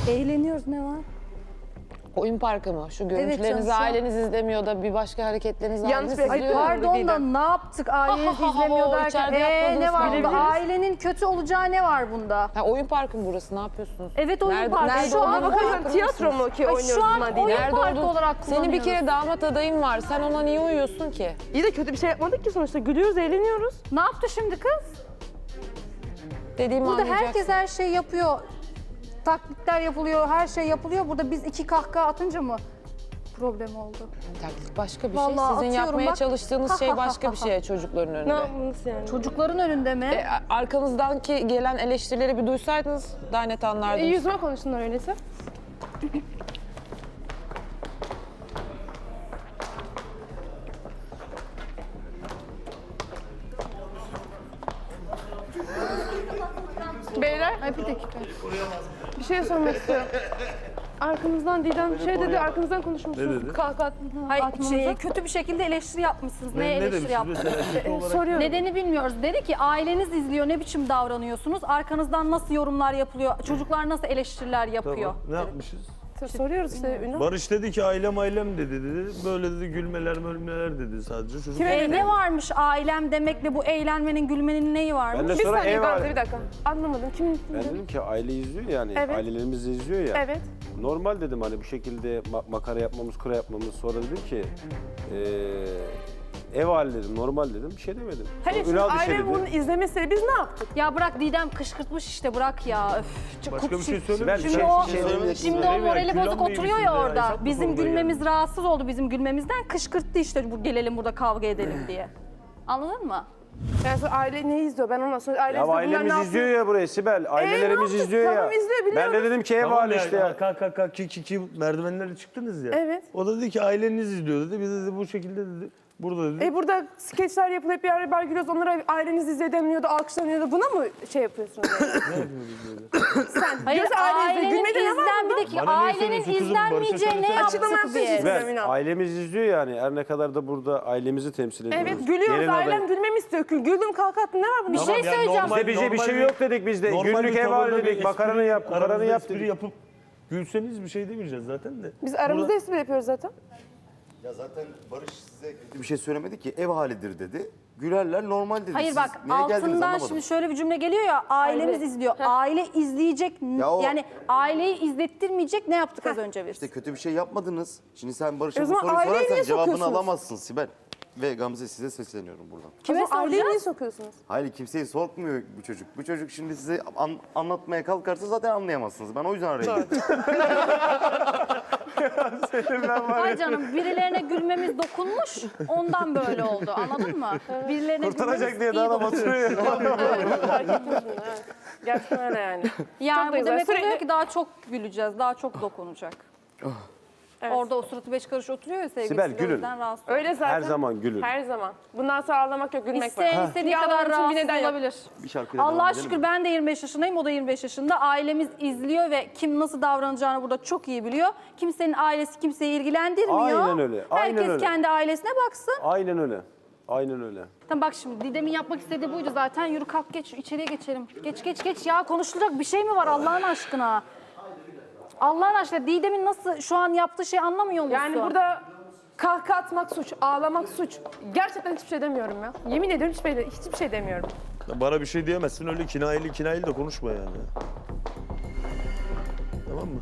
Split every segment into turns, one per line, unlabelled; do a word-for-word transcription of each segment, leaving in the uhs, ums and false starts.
Eğleniyoruz, ne var?
Oyun parkı mı? Şu görüntülerinizi
canım, şu an-
aileniz izlemiyor da bir başka hareketlerinizi aileniz
Ay
izliyor.
pardon da ne yaptık aileniz
Ha, ha, ha,
izlemiyor
o
derken
içeride
ee,
yapmadığınız
ne var bunda?
bilebiliriz.
Ailenin kötü olacağı ne var bunda?
Ha, oyun parkı mı burası? Ne yapıyorsunuz?
Evet, oyun
Nerede-
parkı.
nerede
Şu an
olduğunu
oyun-
farkında
Tiyatro mu ki
Ay,
oynuyoruz
şu an
buna değil?
oyun
Nerede
parkı
olduğunu-
olarak
Senin bir kere
kullanıyoruz.
damat adayın var. Sen ona niye uyuyorsun ki?
İyi de kötü bir şey yapmadık ki sonuçta. Gülüyoruz, eğleniyoruz.
Ne yaptı şimdi kız?
Dediğimi
Burada
anlayacaksın.
herkes her şeyi yapıyor. Taklitler yapılıyor, her şey yapılıyor. Burada biz iki kahkaha atınca mı problem oldu?
Taklit başka bir
Vallahi
şey. Sizin
atıyorum
yapmaya
bak.
çalıştığınız şey başka bir şey çocukların
Ne
önünde.
yaptınız yani?
Çocukların önünde mi?
E, arkanızdan ki gelen eleştirileri bir duysaydınız daha net
E,
anlardınız.
yüzüme konuşsunlar öyleyse. Beyler,
Ay bir dakika.
bir şey sormak istiyorum. Arkamızdan Didem şey dedi, arkamızdan konuşmuşsunuz.
dedi?
Kalk at.
Hayır,
atmanıza.
şey, kötü bir şekilde eleştiri yapmışsınız.
Ne,
Neye
ne
eleştiri
demiş
yaptınız?
mesela erkek olarak?
Soruyorum.
Nedeni bilmiyoruz. Dedi ki aileniz izliyor, ne biçim davranıyorsunuz? Arkanızdan nasıl yorumlar yapılıyor? Çocuklar nasıl eleştiriler yapıyor?
Tamam. Ne yapmışız?
Soruyoruz işte Ünal.
Barış dedi ki ailem ailem dedi dedi. Böyle dedi gülmeler mölmeler dedi sadece. Çocuk
Kime
E, ne varmış ailem demekle bu eğlenmenin, gülmenin neyi varmış?
Ben de
Bir
sonra
saniye
ev
Gamze,
var.
bir dakika. Anlamadım. Kim?
Ben dedim ki aile izliyor yani.
Evet.
Ailelerimiz de izliyor ya.
Evet.
Normal dedim hani bu şekilde ma- makara yapmamız, kura yapmamız. Sonra dedim ki eee ev hali dedim, normal dedim. Bir şey demedim.
Hayır,
Sonra
şimdi
Ünal bir şey
aile
dedi.
bunu izlemesi biz ne yaptık?
Ya bırak Didem kışkırtmış işte, bırak ya. Öf, çok
başka bir şey
Sibel,
söylemiş.
bir
Şimdi
şey-
o,
bir şey
söylemedik.
şimdi o
Söylemeyin,
morali
külhan
bozuk
mı
oturuyor
yemişsiniz
ya
ya?
orada.
Hesap mı
Bizim
sormaya
gülmemiz
geldi?
rahatsız oldu, bizim gülmemizden kışkırttı işte, bu gelelim burada kavga edelim diye. Anladın mı?
Yani sonra aile ne izliyor? Ben ona sonra aile
Ya
izliyor. bunlar ne
ailemiz
yapıyor?
izliyor ya burayı Sibel. Ailelerimiz
yaptık?
izliyor ya.
Tamam, izliyor,
Ben
biliyoruz.
de dedim ki ev
Tamam
hali
ya,
işte ya.
Kalk kalk kalk ki ki ki merdivenlere çıktınız ya.
Evet.
O da dedi ki aileniz izliyor dedi. Biz dedi bu şekilde dedi. Burada dedi.
E burada skeçler yapılıp bir ara gülüyoruz. Onlara aileniz izliyor demiyordu, alkışlanıyordu. Buna mı şey yapıyorsunuz? Yani? Sen
Hayır,
diyorsun aile izliyor.
ailenin
Gülmedi ne var
izlen, bir
bunda?
dakika,
Bana niye
ailenin
söylüyorsun kızım?
izlenmeyeceği
Barış'a
ne
söylesene.
Açıklama
yaptık
yapıyorsun.
biz?
Sibel,
Ben,
Ünal.
ailemiz izliyor yani. Her ne kadar da burada ailemizi temsil ediyoruz.
Evet gülüyoruz.
Gelin
Ailem
aday-
gülmemi istiyor. Güldüm kalk attın. Ne var bunda?
Bir şey
yani
söyleyeceğim.
normal-
Bizde bir şey, bir
normal
şey yok dedik biz de.
normal
Günlük
bir
ev hali
tavırda bir
dedik. Makaranı
espri-
yap, kukaranı
aranızda
yap
espri
dedik.
yapıp gülseniz bir şey demeyeceğiz zaten de.
Biz aramızda
Burada-
espri yapıyoruz zaten.
Ya zaten Barış size kötü bir şey söylemedi ki, ev halidir dedi. Gülerler normal dedi.
Hayır
Siz
bak,
niye geldiniz
altından
anlamadım.
şimdi şöyle bir cümle geliyor ya, ailemiz
Aile.
izliyor. Aile izleyecek,
Ya o-
yani aileyi izlettirmeyecek ne yaptık az önce biz?
İşte kötü bir şey yapmadınız. Şimdi sen Barış'a
E o
bu
zaman
soruyu
aileyi
sorarsan
niye
cevabını
sokuyorsunuz?
alamazsın Sibel. Ve Gamze size sesleniyorum buradan.
Kime
O zaman aileyi niye
soracağız?
sokuyorsunuz?
Hayır kimseyi sokmuyor bu çocuk. Bu çocuk şimdi size an- anlatmaya kalkarsa zaten anlayamazsınız. Ben o yüzden araya girdim.
Ay canım, birilerine gülmemiz dokunmuş, ondan böyle oldu, anladın mı? Birilerine
Kurtaracak
gülmemiz
diye
iyi
daha da
dokunmuş.
batırıyor ya.
Fark ettim bunu, evet. Gerçekten öyle yani.
Yani
Çok da
bu
güzel.
demek
Sürekli-
oluyor ki daha çok güleceğiz, daha çok dokunacak.
Evet.
Orada o suratı beş karış oturuyor ya sevgilisi,
Sibel,
o
gülün.
yüzden rahatsız.
Öyle zaten.
Her zaman gülün.
Her zaman. Bundan sonra ağlamak yok, gülmek var.
İsteyen istediği
Ya
kadar
ağlamak için bir
rahatsız
neden yok.
olabilir.
Bir şarkıyla devam
Allah'a
edelim
şükür
mi?
ben de yirmi beş yaşındayım, o da yirmi beş yaşında. Ailemiz izliyor ve kim nasıl davranacağını burada çok iyi biliyor. Kimsenin ailesi kimseyi ilgilendirmiyor.
Aynen öyle, aynen
Herkes
öyle.
kendi ailesine baksın.
Aynen öyle. Aynen öyle.
Tamam bak şimdi Didem'in yapmak istediği buydu zaten. Yürü kalk geç, içeriye geçelim. Geç geç geç ya, konuşulacak bir şey mi var Allah'ın aşkına? Allah'ın aşkına Didem'in nasıl şu an yaptığı şeyi anlamıyor musun?
Yani burada kahkaha atmak suç, ağlamak suç. Gerçekten hiçbir şey demiyorum ya. Yemin ediyorum hiçbir şey, hiçbir şey demiyorum.
Bana bir şey diyemezsin öyle kinayeli kinayeli de konuşma yani. Tamam mı?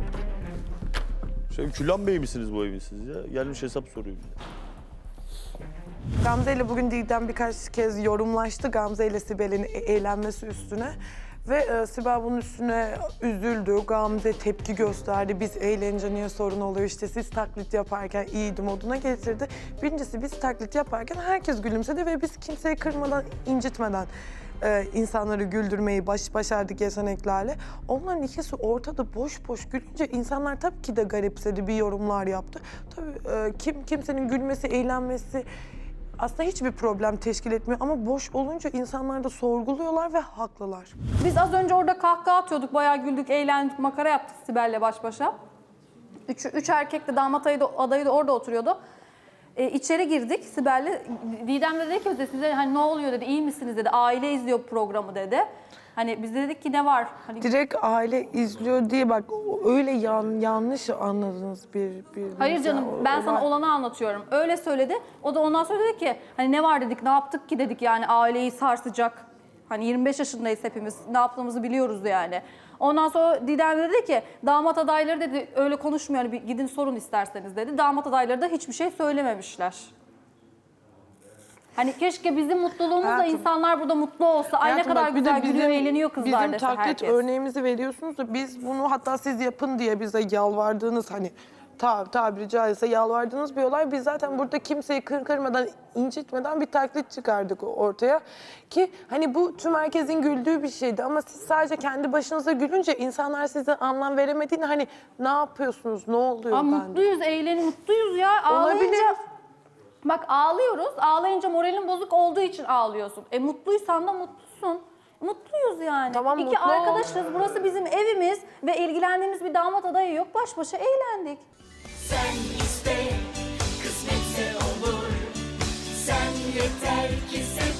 Şey, Külan Bey misiniz bu evin siz ya? Gelmiş hesap soruyor bize.
Gamze ile bugün Didem birkaç kez yorumlaştı Gamze ile Sibel'in e- eğlenmesi üstüne. Ve e, Sibel bunun üstüne üzüldü, Gamze tepki gösterdi. Biz eğlenince niye sorun oluyor, işte siz taklit yaparken iyiydi moduna getirdi. Birincisi biz taklit yaparken herkes gülümsedi ve biz kimseyi kırmadan, incitmeden e, insanları güldürmeyi baş, başardık yeteneklerle. Onların ikisi ortada boş boş gülünce insanlar tabii ki de garipsedi, bir yorumlar yaptı. Tabii e, kim kimsenin gülmesi, eğlenmesi aslında hiçbir problem teşkil etmiyor ama boş olunca insanlar da sorguluyorlar ve haklılar.
Biz az önce orada kahkaha atıyorduk, bayağı güldük, eğlendik, makara yaptık Sibel'le baş başa. Üç, üç erkek de damat adayı da, adayı da orada oturuyordu. Ee, içeri girdik Sibel'le. Didem de dedi ki bize, size hani ne oluyor dedi, iyi misiniz dedi, aile izliyor programı dedi. Hani biz de dedik ki ne var? Hani
Direkt aile izliyor diye bak öyle yan, yanlış anladınız bir bir.
hayır canım ben sana olanı anlatıyorum. Öyle söyledi. O da ondan sonra dedi ki hani ne var dedik, ne yaptık ki dedik yani aileyi sarsacak. Hani yirmi beş yaşındayız hepimiz. Ne yaptığımızı biliyoruz yani. Ondan sonra Didem dedi ki damat adayları dedi öyle konuşmuyor. Hani bir gidin sorun isterseniz dedi. Damat adayları da hiçbir şey söylememişler. Hani keşke bizim mutluluğumuzla
Hayatım-
insanlar burada mutlu olsa. Ay ne
Hayatım
kadar
bak, bir de
güzel gülüyor, eğleniyor kızlar
Bizim
dese
taklit
herkes.
örneğimizi veriyorsunuz da biz bunu hatta siz yapın diye bize yalvardığınız hani ta, tabiri caizse yalvardığınız bir olay. Biz zaten burada kimseyi kır kırmadan, incitmeden bir taklit çıkardık ortaya. Ki hani bu tüm herkesin güldüğü bir şeydi ama siz sadece kendi başınıza gülünce insanlar size anlam veremediğini hani ne yapıyorsunuz, ne oluyor
Aa,
bende?
mutluyuz, eğlenin, mutluyuz ya. Ağlayınca,
Olabilir.
bak ağlıyoruz. Ağlayınca moralin bozuk olduğu için ağlıyorsun. E mutluysan da mutlusun. Mutluyuz yani.
Tamam,
İki
mutlu ol.
arkadaşız. Burası bizim evimiz ve ilgilendiğimiz bir damat adayı yok. Baş başa eğlendik.
Sen iste, kısmetse olur. Sen yeter ki sev.